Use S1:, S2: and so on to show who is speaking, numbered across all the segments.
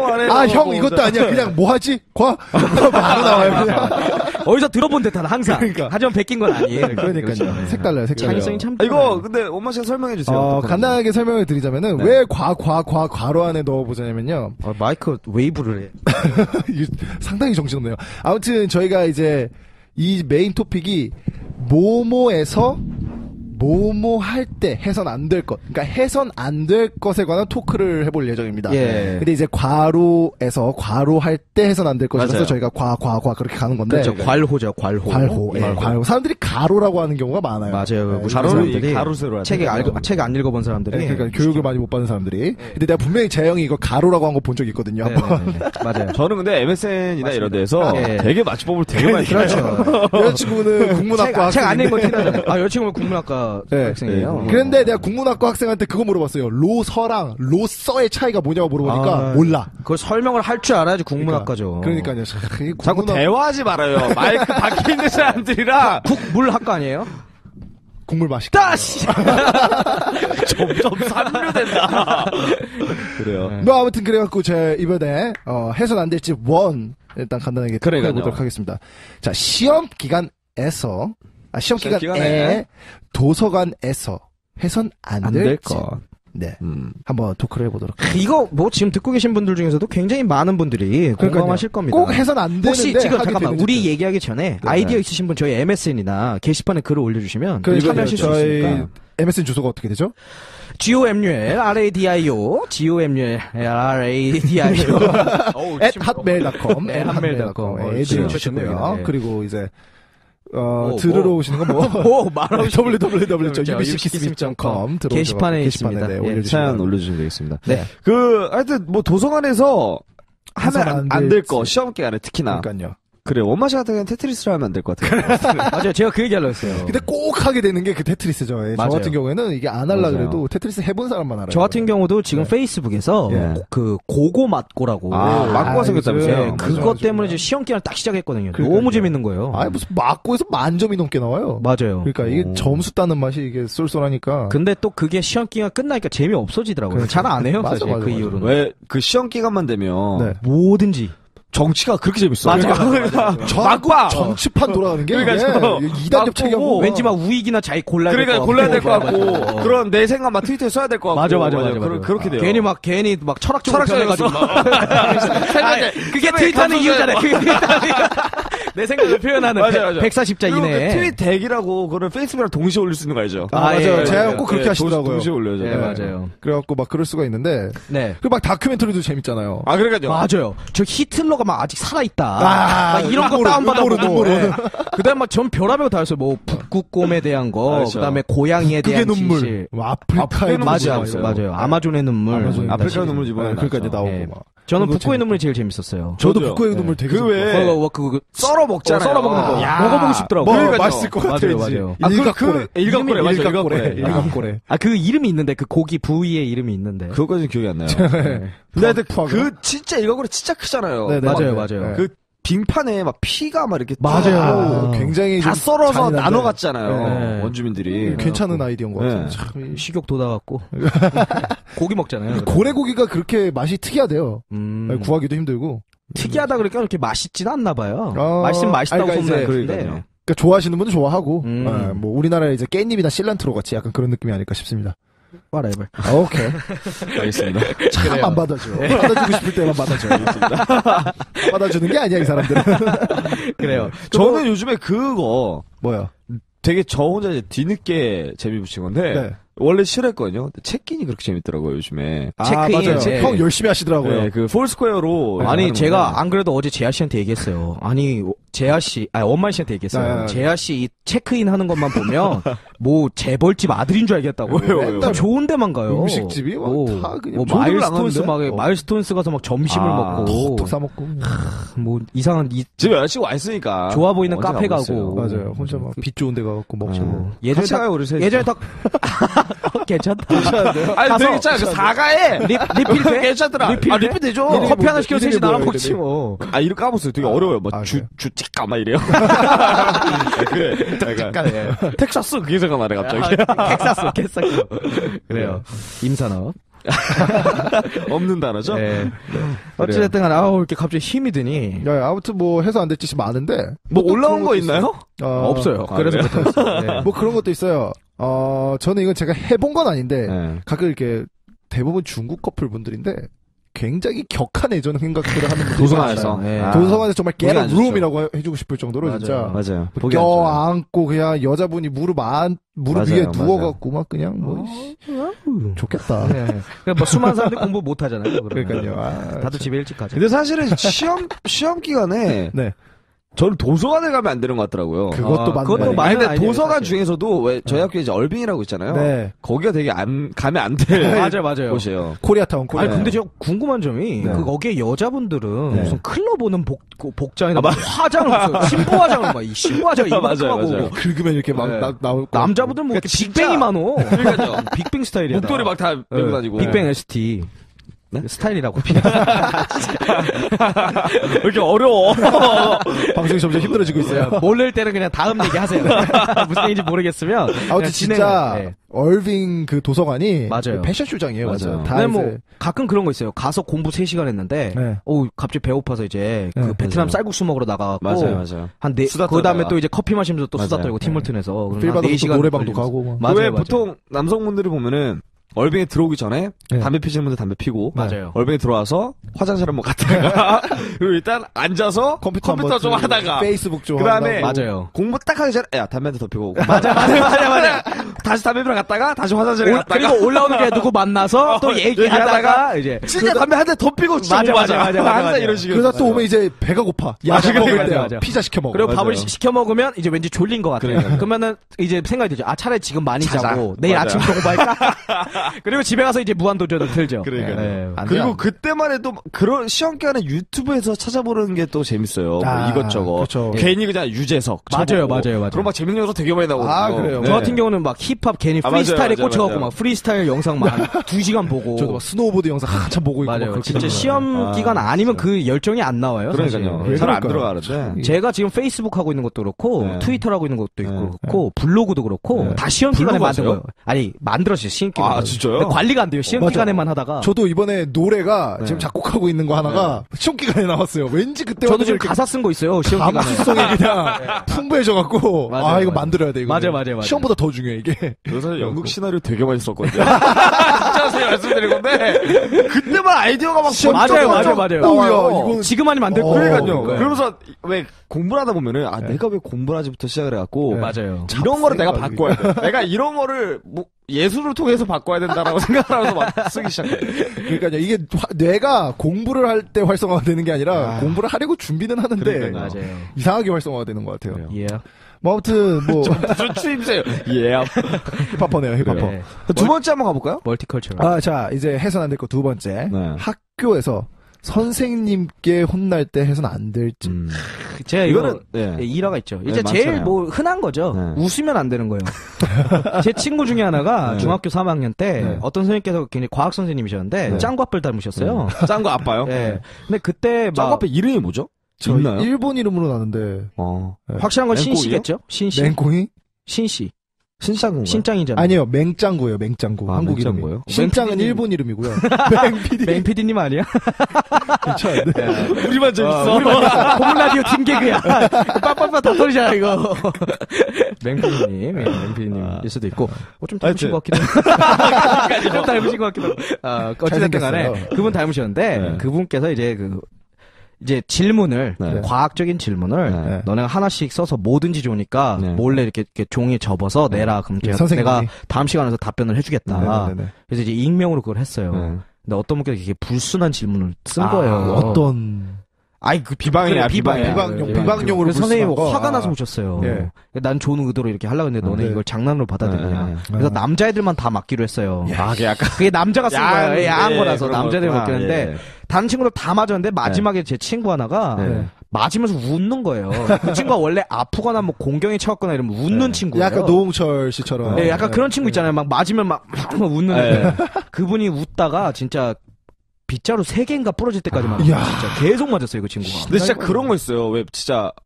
S1: 안 해.
S2: 형 이것도 아니야. 그냥 뭐 하지? 바로 나와요. 그냥.
S3: 어디서 들어본 듯한 항상.
S2: 그러니까.
S3: 하지만 베낀 건 아니에요.
S2: 그러니까요.
S3: 그렇죠.
S2: 색달라요.
S3: 창의성이 참.
S1: 이거 근데 엄마 씨가 설명해 주세요.
S2: 간단하게 설명을 드리자면은 왜 괄호 안에 넣어보자냐면요.
S3: 마이크 웨이브를 해.
S2: 상당히 정신없네요. 아무튼 저희가 이제 이 메인 토픽이 모모에서 뭐뭐 할 때 해선 안 될 것, 그러니까 해선 안 될 것에 관한 토크를 해볼 예정입니다.
S3: 예.
S2: 근데 이제 괄호에서 괄호할 때 해선 안 될 것이라서
S1: 맞아요.
S2: 저희가 과 그렇게 가는 건데.
S3: 그렇죠. 괄호죠, 괄호.
S2: 괄호. 사람들이 가로라고 하는 경우가 많아요.
S3: 맞아요.
S2: 네,
S1: 가로를 가로세로
S3: 책 안 읽어본 사람들이.
S2: 네, 그러니까 교육을 많이 못 받은 사람들이. 근데 내가 분명히 재영이 이거 가로라고 한 거 본 적 있거든요.
S3: 맞아요.
S1: 저는 근데 MSN이나 이런 데서
S3: 예.
S1: 되게 맞춤법을 되게 많이
S3: 그렇죠.
S2: 여자친구는 국문학과
S3: 책 안
S2: 학생인데.
S3: 읽은 거 티나잖아요. 여자친구는 국문학과
S2: 네.
S3: 학생이에요.
S2: 그런데 내가 국문학과 학생한테 그거 물어봤어요. 로서랑 로서의 차이가 뭐냐고 물어보니까 몰라.
S3: 그걸 설명을 할 줄 알아야지 국문학과죠.
S2: 그러니까요.
S1: 자꾸 대화하지 말아요. 마이크 밖에 있는 사람들이랑
S3: 국물 학과 아니에요?
S2: 국물 맛있게.
S3: 따시!
S1: 점점 산류된다. 그래요.
S2: 뭐 아무튼 그래갖고 제가 이번에 해선 안 될지 일단 간단하게
S1: 그러니까요.
S2: 해보도록 하겠습니다. 자, 시험 기간에서 시험 기간에 도서관에서 해선 안
S1: 안
S2: 될
S1: 될
S2: 것.
S1: 것.
S2: 네. 한번 토크를 해보도록.
S3: 이거 뭐 지금 듣고 계신 분들 중에서도 굉장히 많은 분들이 공감하실 겁니다.
S2: 꼭 해선 안 되는데
S3: 혹시 지금
S2: 하게
S3: 잠깐만
S2: 되는
S3: 우리
S2: 짓들.
S3: 얘기하기 전에 아이디어 있으신 분 저희 MSN이나 게시판에 글을 올려주시면 참여하실 수
S2: 저희
S3: 있으니까.
S2: MSN 주소가 어떻게 되죠?
S3: GOMUL
S2: at hotmail.com
S3: hotmail.com.
S2: 주시고요.
S3: 네.
S2: 그리고 이제 들으러 오시는 건 뭐? www.ubckidsmith.com
S3: 게시판에 있습니다.
S2: 네,
S3: 예.
S2: 올려주시면
S1: 사연 올려주시면 되겠습니다.
S3: 네.
S1: 하여튼 뭐 도서관에서 하면 안 될 거, 시험 기간에 특히나.
S2: 그러니까요.
S1: 그래, 원마 씨 같은 경우는 테트리스를 하면 안 될 것 같아요.
S3: 맞아요. 제가 그 얘기 하려고 했어요.
S2: 근데 꼭 하게 되는 게 그 테트리스죠. 저
S3: 맞아요.
S2: 같은 경우에는 이게 안 하려
S1: 맞아요.
S2: 그래도 테트리스 해본 사람만 알아요.
S3: 저 같은 경우도 지금 페이스북에서
S1: 예.
S3: 그 고고 맞고라고
S1: 맞고가 생겼다면서요?
S2: 네,
S3: 그것
S2: 맞아.
S3: 때문에 이제 시험 기간을 딱 시작했거든요.
S2: 그러니까요.
S3: 너무 재밌는 거예요.
S2: 아니 무슨 맞고에서 만점이 넘게 나와요.
S3: 맞아요.
S2: 그러니까 이게 점수 따는 맛이 이게 쏠쏠하니까.
S3: 근데 또 그게 시험 기간 끝나니까 재미 없어지더라고요.
S2: 그렇죠.
S3: 잘 안 해요.
S2: 맞아,
S3: 사실
S2: 맞아,
S3: 그
S2: 맞아.
S3: 이후로는.
S1: 왜, 그 시험 기간만 되면.
S2: 네.
S3: 뭐든지.
S1: 정치가 그렇게 재밌어.
S3: 맞아요.
S1: 막봐!
S2: 정치판 돌아가는 게
S1: 그러니까
S2: 이게 2단협 체계고
S3: 왠지 막 우익이나 자기 골라야 될 것
S1: 그러니까
S3: 같고.
S1: 골라야 될 것 같고.
S3: 맞아.
S1: 그런 내 생각 막 트위터에 써야 될 것 같고.
S3: 맞아.
S1: 그렇게 돼요.
S3: 괜히 막 철학적으로
S1: 철학적이었어.
S3: 변해가지고. 아니, 그게 트윗하는 이유잖아요. 그게 트윗하는 이유. 내 생각을 표현하는
S1: 맞아.
S3: 140자 이내에.
S1: 트윗 대기라고 그걸 페이스북이랑 동시에 올릴 수 있는 거 알죠?
S2: 맞아요.
S3: 예,
S2: 제가
S3: 예,
S2: 꼭 그렇게 하시더라고요.
S1: 동시에 올려야죠.
S3: 네, 맞아요.
S2: 그래갖고 막 그럴 수가 있는데.
S3: 네.
S2: 그리고 막 다큐멘터리도 재밌잖아요.
S1: 그러니까요.
S3: 맞아요. 저 히틀러가 막 아직 살아있다.
S2: 막
S3: 이런 거 다운받아보고.
S2: 눈물은.
S3: 그 다음에 막 전 별하별 다 했어요. 뭐, 북극곰에 대한 거.
S1: 그렇죠.
S3: 그 다음에 고양이에
S2: 그게
S3: 대한
S2: 눈물.
S3: 진실.
S2: 뭐 아프리카의 눈물.
S3: 맞아요. 아마존의 눈물.
S1: 아프리카 눈물 집어넣는
S2: 그러니까 이제 나오고
S3: 예.
S2: 막.
S3: 저는
S2: 그거
S3: 북극의 눈물이 제일 재밌었어요.
S2: 저도
S1: 저도요.
S2: 북극의 눈물 되게
S1: 그 썰어 먹잖아요.
S3: 썰어 먹는 거.
S1: 야.
S3: 먹어보고 싶더라고요.
S2: 뭐 맛있을 것 같아.
S3: 맞아요.
S1: 일각고래, 맞아, 일각고래.
S2: 일각고래.
S3: 그 이름이 있는데, 그 고기 부위의 이름이 있는데.
S1: 그거까지는 기억이 안 나요. 근데 하여튼 진짜 일각고래 진짜 크잖아요.
S2: 네,
S3: 맞아요.
S1: 그 빙판에 막 피가 막 이렇게
S3: 맞아요.
S2: 굉장히
S1: 다
S2: 좀
S1: 썰어서
S2: 잔인한데.
S1: 나눠 갔잖아요.
S3: 네.
S1: 원주민들이.
S2: 괜찮은 아이디어인 것 같아요.
S1: 네.
S2: 참.
S3: 식욕 돋아갖고. 고기 먹잖아요.
S2: 고래고기가 그렇게 맛이 특이하대요. 구하기도 힘들고.
S3: 특이하다 그러니까 그렇게 맛있진 않나 봐요.
S2: 어,
S3: 맛있으면 맛있다고
S2: 그러니까 이제
S3: 소문내는데.
S1: 그러니까요.
S2: 그러니까 좋아하시는 분은 좋아하고,
S3: 음.
S2: 뭐 우리나라의 이제 깻잎이나 실란트로 같이 약간 그런 느낌이 아닐까 싶습니다.
S3: whatever.
S2: 오케이.
S1: 알겠습니다.
S2: 참 안 받아줘. 받아주고 싶을 때만 받아줘. 받아주는 게 아니야 이 사람들은.
S3: 그래요.
S1: 저는 요즘에 그거
S2: 뭐야?
S1: 되게 저 혼자 이제 뒤늦게 재미 붙인 건데
S2: 네.
S1: 원래 싫어했거든요. 근데 체크인이 그렇게 재밌더라고요 요즘에.
S3: 체크인.
S2: 맞아요.
S3: 네.
S2: 형 열심히 하시더라고요.
S1: 네, 그 폴스퀘어로
S3: 아니
S1: 하는
S3: 제가
S1: 건데.
S3: 안 그래도 어제 재하 씨한테 얘기했어요. 아니 재하 씨, 원만 씨한테 얘기했어요.
S2: 네.
S3: 재하 씨 이 체크인 하는 것만 보면 뭐 재벌집 아들인 줄 알겠다고.
S1: 왜요?
S3: 다 좋은 데만 가요.
S2: 음식집이 막 다 그냥
S3: 뭐
S2: 조드를
S3: 마일스톤스
S2: 안 하는데?
S3: 마일스톤스 가서 막 점심을 먹고
S2: 톡톡 사 먹고.
S3: 뭐 이상한
S1: 집에 여자친구 와 있으니까
S3: 좋아 보이는
S1: 언제
S3: 카페
S1: 가고
S3: 가고.
S1: 있어요.
S2: 맞아요. 혼자 막 빛 좋은 데 가갖고 먹고.
S3: 예전에
S1: 같이 가요, 우리 셋이.
S3: 예전에 딱 괜찮다.
S1: 아니
S3: 가서
S1: 되게 괜찮아. 그 사과에
S3: 리필 돼?
S1: 괜찮더라.
S3: 리필 돼?
S1: 리필 되죠.
S3: 커피 하나 시켜서 셋이
S2: 이름이
S3: 나눠
S2: 뭐예요,
S3: 먹지
S2: 이름이?
S3: 뭐.
S1: 이름 까먹었어요. 되게 어려워요. 뭐
S2: 아,
S1: 주치까 막 이래요. 그래. 텍사스 그게 생각나네 갑자기.
S3: 텍사스. 그래요. 임산업.
S1: 없는 단어죠?
S3: 네. 어찌됐든 간에, 이렇게 갑자기 힘이 드니.
S2: 야, 아무튼 뭐 해서 안 될 짓이 많은데.
S1: 뭐 올라온 거 있나요?
S3: 없어요. 그래서 못했어요. 네.
S2: 뭐 그런 것도 있어요. 저는 이건 제가 해본 건 아닌데,
S1: 네.
S2: 가끔 이렇게 대부분 중국 커플 분들인데, 굉장히 격한 애정 생각들을 하는 분들이
S1: 도서관에서.
S2: 많아요.
S3: 네.
S2: 도서관에서 정말
S1: 보기
S2: get
S1: 안
S2: a room이라고 해주고 싶을 정도로
S3: 맞아요.
S2: 진짜.
S1: 맞아요.
S2: 껴안고 그냥 여자분이 무릎 위에
S1: 맞아요.
S2: 누워갖고 막 그냥 뭐, 좋겠다.
S3: 네. 그러니까 뭐 수많은 사람들이 공부 못 하잖아요.
S2: 그러니까요. 아,
S3: 다들 집에 일찍 가죠.
S1: 근데 사실은 시험 기간에
S2: 네.
S1: 저는 도서관에 가면 안 되는 것 같더라고요.
S2: 그것도 맞는
S3: 그것도
S2: 말이에요.
S3: 맞는
S1: 근데
S3: 아이디어예요,
S1: 도서관
S3: 사실.
S1: 중에서도 왜 저희 학교에 이제 얼빈이라고 있잖아요.
S2: 네.
S1: 거기가 되게 가면 안 될
S3: 맞아요.
S1: 곳이에요.
S2: 코리아타운,
S3: 아니
S2: 코리아타운.
S3: 근데 제가 궁금한 점이
S1: 네.
S3: 거기에 여자분들은
S1: 네.
S3: 무슨 클럽 오는 복장이나 화장을 무슨 신부 화장을 막 이 신부 화장
S1: 맞아요,
S3: 이만큼하고
S1: 맞아요.
S2: 긁으면 이렇게 막
S1: 네.
S2: 나올 거.
S3: 남자분들 뭐 이렇게 빅뱅이 많어.
S1: 그러니까요.
S3: 빅뱅 스타일이야.
S1: 목도리 막 다 메고 다니고.
S3: 빅뱅 ST.
S1: 네?
S3: 스타일이라고.
S1: 왜 이렇게 어려워?
S2: 방송이 점점 힘들어지고 있어요.
S3: 모를 때는 그냥 다음 얘기 하세요. 무슨 얘기인지 모르겠으면.
S2: 아무튼
S3: 그냥
S2: 진짜
S3: 진행을, 네.
S2: 얼빙 그 도서관이
S3: 맞아요.
S2: 패션쇼장이에요.
S1: 맞아요.
S2: 다
S3: 근데
S2: 이제
S3: 뭐 가끔 그런 거 있어요. 가서 공부 3시간 했는데
S2: 네.
S3: 갑자기 배고파서 이제
S2: 네,
S3: 그 베트남
S1: 맞아요.
S3: 쌀국수 먹으러 나가고
S1: 맞아요.
S3: 그 다음에 또 이제 커피 마시면서 또 수다
S1: 맞아요.
S3: 떨고 팀월튼에서
S2: 필바도 노래방도 가고 뭐.
S3: 맞아요,
S1: 왜
S3: 맞아요.
S1: 보통 남성분들이 보면은 얼빙에 들어오기 전에
S2: 네.
S1: 담배 피시는 분들 담배 피고
S3: 맞아요.
S1: 얼빙에 들어와서 화장실 한번 갔다가 그리고 일단 앉아서 컴퓨터
S2: 한번
S1: 좀 하다가
S2: 페이스북 좀
S1: 그다음에
S2: 한다고.
S3: 맞아요.
S1: 공부 딱 하기 전에 야 담배 한 대 더 피고
S3: 맞아.
S1: 다시 담배 피러 갔다가 다시 화장실에 갔다가
S3: 그리고 올라오는 게 누구 만나서 또 얘기하다가 이제
S1: 진짜 담배 한 대 더 피고 진짜
S3: 맞아.
S1: 항상 이런 식으로
S2: 그러다 또 오면 이제 배가 고파. 야식
S3: 맞아,
S2: 먹을
S3: 맞아,
S2: 때
S3: 맞아.
S2: 피자 시켜 먹어.
S3: 그리고
S1: 맞아요.
S3: 밥을 시켜 먹으면 이제 왠지 졸린 것 같아요. 그러면은 이제 생각이 들죠. 차라리 지금 많이
S1: 자자.
S3: 자고 내일
S1: 맞아요.
S3: 아침부터 공부할까? 그리고 집에 가서 이제 무한도전을 틀죠.
S1: 그러니까요.
S2: 안
S1: 그리고
S2: 돼요.
S1: 그때만 해도 그런 시험 기간에 유튜브에서 찾아보는 게 또 재밌어요. 뭐
S2: 아,
S1: 이것저것.
S2: 그렇죠.
S1: 괜히 그냥 유재석.
S3: 맞아요.
S1: 그럼 막 재밌는 영상 되게 많이 나오고.
S2: 아, 그래요?
S3: 저 같은 경우는 막 힙합 괜히
S1: 아,
S3: 프리스타일에
S1: 맞아요,
S3: 꽂혀갖고
S1: 맞아요.
S3: 막 프리스타일 영상 막 2시간 보고.
S2: 저도 막 스노우보드 영상 한참 보고 있고 막
S3: 맞아요.
S2: 그렇게
S3: 진짜
S2: 되는
S3: 시험
S1: 아,
S3: 기간 아니면 그 열정이 안 나와요.
S1: 그러니까요.
S3: 사실.
S1: 잘 안
S2: 그럴까요?
S1: 들어가는데.
S3: 제가 지금 페이스북 하고 있는 것도 그렇고
S1: 네.
S3: 트위터 하고 있는 것도
S1: 네.
S3: 그렇고 블로그도 그렇고
S1: 네.
S3: 다 시험 기간에
S1: 블로그
S3: 만든
S1: 하세요?
S3: 거예요. 아니 만들었어요. 시험 기간.
S1: 아, 진짜요?
S3: 근데 관리가 안 돼요. 시험
S2: 맞아.
S3: 기간에만 하다가.
S2: 저도 이번에 노래가
S1: 네.
S2: 지금 작곡하고 있는 거 하나가 시험 기간에 나왔어요. 왠지 그때
S3: 저도 지금 가사 쓴 거 있어요. 시험 기간에.
S2: 감수성이 그냥 풍부해져갖고
S3: 맞아요,
S2: 이거
S3: 맞아요.
S2: 만들어야 돼 이거.
S3: 맞아요.
S2: 시험보다 더 중요해 이게.
S1: 그래서 연극 시나리오 되게 많이 썼거든요. 진짜 제가 말씀드린 건데 그때만 아이디어가 막
S3: 맞아요.
S2: 나와요. 이거
S3: 지금 아니면 안 될
S2: 그러니까요.
S3: 거예요.
S1: 그러니까요. 그러면서 왜 공부를 하다 보면은 내가 왜 공부를 하지부터 시작을 해갖고
S2: 네.
S3: 맞아요.
S1: 이런 거를 내가
S2: 생각이.
S1: 바꿔야 돼. 내가 이런 거를 뭐 예술을 통해서 바꿔야 된다라고 생각하면서 막 쓰기 시작해.
S2: 그러니까요. 이게 뇌가 공부를 할 때 활성화가 되는 게 아니라 공부를 하려고 준비는 하는데
S1: 그러니까요.
S3: 맞아요.
S2: 이상하게 활성화가 되는 것 같아요.
S3: 예.
S2: 뭐 아무튼 뭐
S1: 무슨 추임새요? 예.
S2: 힙합퍼네요 힙합퍼.
S3: 네.
S1: 두 번째 한번 가볼까요?
S3: 멀티컬처럴.
S2: 자 이제 해선 안 될 거 두 번째.
S1: 네.
S2: 학교에서 선생님께 혼날 때 해서는 안 될 짓.
S3: 제가
S1: 이거는
S3: 이거는 일화가 있죠.
S1: 네,
S3: 이제 제일
S1: 많잖아요.
S3: 뭐 흔한 거죠.
S1: 네.
S3: 웃으면 안 되는 거예요. 제 친구 중에 하나가
S1: 네.
S3: 중학교 3학년 때
S1: 네.
S3: 어떤 선생님께서 굉장히 과학 선생님이셨는데
S1: 네.
S3: 짱구 아빠를 닮으셨어요.
S1: 짱구 아빠요?
S3: 네. 근데 그때
S1: 짱구
S3: 막
S1: 아빠 이름이 뭐죠?
S2: 저
S1: 있나요?
S2: 일본 이름으로 나는데
S1: 네.
S3: 확실한 건
S1: 맹꽁이요?
S3: 신씨겠죠? 신씨.
S2: 맹콩이?
S3: 신씨.
S1: 신짱구인가요?
S3: 신짱이잖아요.
S2: 아니요 맹짱구예요 맹짱구.
S1: 아,
S2: 한국
S1: 맹짱구예요?
S2: 이름이. 신짱은
S3: 맹PD님.
S2: 일본 이름이고요. 맹PD
S3: 맹PD님 아니야?
S2: 괜찮은데.
S1: 우리만 재밌어.
S3: 고문 라디오 팀 개그야. 빠빠빠 다 소리잖아 이거. 맹PD님, 맹PD님일 수도 있고, 좀 닮으신 것 같기도 하고. 좀 닮으신 것 같기도 하고. 어쨌든 간에
S2: 잘생겼어요.
S3: 그분 닮으셨는데,
S1: 네.
S3: 그분께서 이제 질문을,
S1: 네.
S3: 과학적인 질문을,
S1: 네.
S3: 너네가 하나씩 써서 뭐든지 좋으니까,
S1: 네.
S3: 몰래 이렇게 종이에 접어서 내라. 그럼
S2: 선생님이.
S3: 내가 다음 시간에서 답변을 해주겠다.
S2: 네네네.
S3: 그래서 이제 익명으로 그걸 했어요.
S1: 네.
S3: 근데 어떤 분께서 이게 불순한 질문을 쓴
S1: 아,
S3: 거예요.
S2: 어떤
S3: 아이 그
S1: 비방이야, 비방이야.
S2: 비방용으로
S3: 그래서 선생님이
S2: 불순한 거?
S3: 화가 나서
S2: 아.
S3: 오셨어요.
S2: 예.
S3: 난 좋은 의도로 이렇게 하려고 했는데 너네
S2: 네.
S3: 이걸 장난으로 받아들이냐.
S1: 네.
S3: 그래서 남자애들만 다 맡기로 했어요.
S1: 아, 그게 약간
S3: 그게 남자가 쓴 거예요. 야한
S1: 예,
S3: 거라서
S1: 그런
S3: 남자들이
S1: 거구나.
S3: 맡겼는데
S1: 예.
S3: 다른 친구들 다 맞았는데 마지막에 제 친구 하나가
S1: 네.
S3: 맞으면서 웃는 거예요. 그 친구가 원래 아프거나 뭐 공경에 처했거나 이러면 웃는 친구예요.
S2: 약간 노홍철 씨처럼.
S3: 네, 약간 그런 친구 있잖아요. 막 맞으면 막 웃는 애. 그분이 웃다가 진짜 빗자루 3개인가 부러질 때까지 막
S2: 이야.
S3: 진짜 계속 맞았어요, 그 친구가.
S1: 근데 진짜 그런 거 있어요. 왜 진짜 막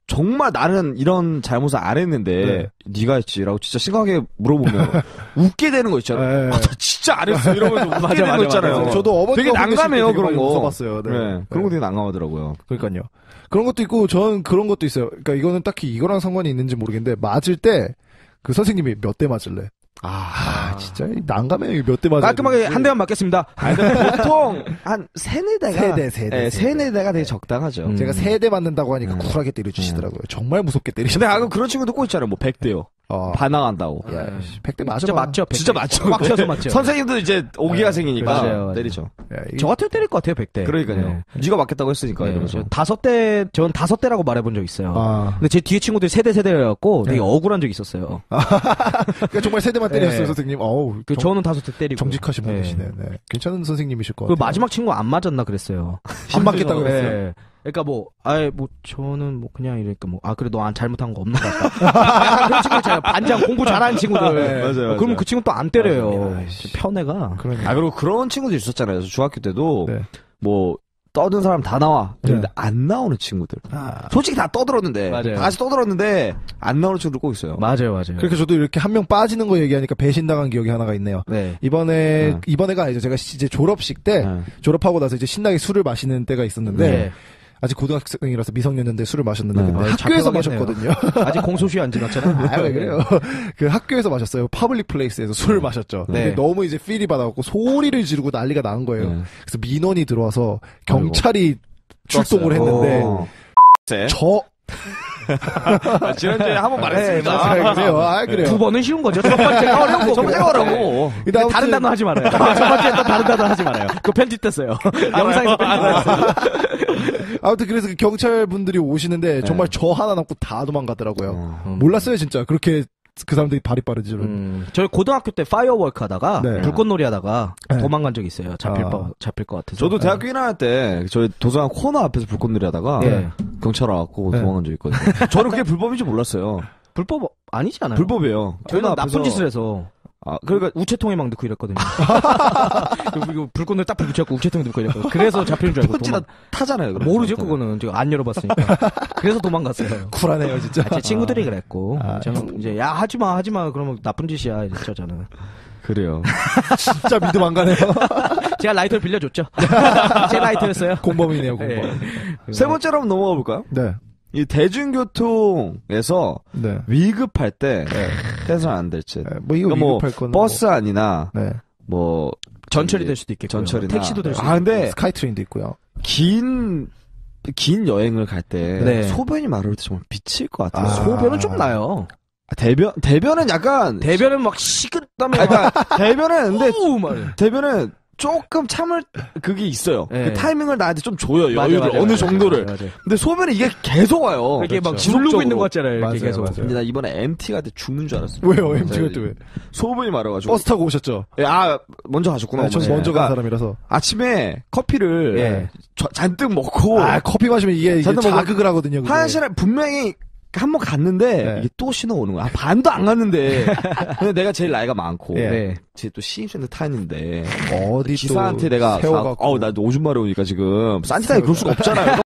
S1: 정말 나는 이런 잘못을 안 했는데 네가 했지라고 진짜 심각하게 물어보면 웃게 되는 거 있잖아요. 아, 나 진짜 안 했어 이러면서 웃게 되는 거 있잖아요.
S2: 맞아. 저도 어머니가
S1: 되게 난감해요 그런 거.
S2: 써봤어요.
S1: 네. 그런 거 되게 난감하더라고요.
S2: 그러니까요. 그런 것도 있고 저는 그런 것도 있어요. 그러니까 이거는 딱히 이거랑 상관이 있는지 모르겠는데 맞을 때 그 선생님이 몇 대 맞을래? 진짜 난감해요. 몇 대 맞아.
S3: 깔끔하게 한 대만 맞겠습니다.
S1: 근데 보통 한 세네 대가
S2: 세네
S1: 대가 되게 적당하죠.
S2: 제가 3대 맞는다고 하니까 쿨하게 때려주시더라고요. 정말 무섭게 때리시더라고요.
S1: 근데 그런 친구도 꼭 있잖아요. 뭐 100대요. 반항한다고.
S2: 100대 맞아.
S3: 진짜 맞죠. 100대.
S1: 진짜 맞죠.
S3: 꽉 쥐어서 맞죠.
S1: 선생님도 이제 오기가 생기니까
S3: 맞아요.
S1: 때리죠.
S3: 저 같아도 때릴 것 같아요. 100대.
S1: 그러니까요. 네가 맞겠다고 했으니까 이러면서.
S3: 5대, 전 5대라고 말해본 적 있어요. 근데 제 뒤에 친구들이 세대여갖고 되게 억울한 적이 있었어요.
S2: 그러니까 정말 3대만 때렸어요, 선생님.
S3: 저는 5대 때리고.
S2: 정직하신 분이시네. 네. 괜찮은 선생님이실 것
S3: 그
S2: 같아요.
S3: 마지막 친구 안 맞았나 그랬어요.
S2: 안 맞겠다고 그랬어요.
S3: 그러니까 저는 그냥 이러니까 그래 너 잘못한 거 없는 것 같다. 그런 친구 있잖아요. 반장 공부 잘하는 친구들.
S1: 맞아요.
S3: 그러면 그 친구 또 안 때려요. 편애가.
S1: 그리고 그런 친구들 있었잖아요. 중학교 때도
S2: 네.
S1: 뭐 떠든 사람 다 나와. 근데 안 나오는 친구들. 솔직히 다 떠들었는데.
S3: 맞아요.
S1: 다 같이 떠들었는데 안 나오는 친구들 꼭 있어요.
S3: 맞아요.
S2: 그렇게 저도 이렇게 한 명 빠지는 거 얘기하니까 배신당한 기억이 하나가 있네요.
S3: 네.
S2: 이번에가 아니죠. 제가 이제 졸업식 때 졸업하고 나서 이제 신나게 술을 마시는 때가 있었는데 아직 고등학생이라서 미성년인데 술을 마셨는데 근데 학교에서 마셨거든요.
S3: 아직 공소시효 안 지났잖아요.
S2: 왜 그래요? 그 학교에서 마셨어요. 퍼블릭 플레이스에서 술을 마셨죠. 근데 너무 이제 필이 받아갖고 소리를 지르고 난리가 난 거예요. 그래서 민원이 들어와서 경찰이 출동을 했는데
S1: 지난주에 한번 말했습니다.
S2: 그래요.
S3: 2번은 쉬운 거죠. 첫 번째가 어려운 거고. 첫 번째가 어려워. 다른 단어 하지 말아요. 첫 번째 또 다른 단어 하지 말아요. 그거 편집됐어요. 영상에서 편집됐어요.
S2: 아무튼 그래서 그 경찰 분들이 오시는데 정말 저 하나 남고 다 도망가더라고요. 몰랐어요 진짜. 그렇게 그 사람들이 발이 빠르지.
S3: 저희 고등학교 때 파이어워크 하다가 불꽃놀이 하다가 도망간 적이 있어요. 잡힐 것 같아서.
S1: 저도 대학교 1학년 때 저희 도서관 코너 앞에서 불꽃놀이 하다가 경찰 와갖고 도망간 적이 있거든요. 저는 그게 불법인지 몰랐어요.
S3: 불법 아니지 않아요?
S1: 불법이에요.
S3: 저희는 나쁜 짓을 해서. 그러니까 우체통에 막 넣고 이랬거든요. 그리고 불꽃을 딱 붙여갖고 우체통에 넣고 이랬거든요. 그래서 잡히는 줄 알고.
S1: 편지나 타잖아요.
S3: 모르죠, 그거는. 제가 안 열어봤으니까. 그래서 도망갔어요.
S2: 쿨하네요, 진짜.
S3: 제 친구들이 그랬고. 저는 이제, 하지마. 그러면 나쁜 짓이야. 이랬죠, 저는.
S1: 그래요.
S2: 진짜 믿음 안 가네요.
S3: 제가 라이터를 빌려줬죠. 제 라이터였어요.
S2: 공범이네요, 공범.
S1: 세 번째로 한번 넘어가 볼까요?
S2: 네.
S1: 이 대중교통에서 위급할 때 해서는 안 될 짓.
S2: 이거 위급할 거는
S1: 버스 안이나
S3: 전철이 될 수도 있겠고
S1: 전철이나
S3: 택시도 될 수도 있고.
S2: 근데 스카이트레인도 있고요.
S1: 긴 여행을 갈 때 소변이 마를 때 정말 미칠 것 같아요.
S3: 소변은 좀 나요.
S1: 대변은 약간
S3: 대변은 막 식은땀에
S1: 대변은 조금 참을 그게 있어요.
S3: 네.
S1: 그 타이밍을 나한테 좀 줘요. 여유를 어느 정도를.
S3: 맞아요.
S1: 근데 소변이 이게 계속 와요.
S3: 이게 막 주르고 있는 것 같잖아요. 이렇게 계속.
S1: 근데 나 이번에 MT 갈 때 죽는 줄 알았어요.
S2: 왜요? MT 갈 때 왜?
S1: 소변이 말아가지고.
S2: 버스 타고 오셨죠?
S1: 먼저 가셨구나.
S2: 전 먼저 간 사람이라서.
S1: 아침에 커피를 잔뜩 먹고.
S2: 커피 마시면 이게 자극을 하거든요.
S1: 화장실에 분명히 한 번 갔는데 이게 또 신호 오는 거야. 반도 안 갔는데. 근데 내가 제일 나이가 많고 제 또 신입생들 타는데
S2: 어디
S1: 기사한테 내가
S2: 세워갖고
S1: 나 오줌 마려 오니까 지금 산티타이 그럴 수가 없잖아요.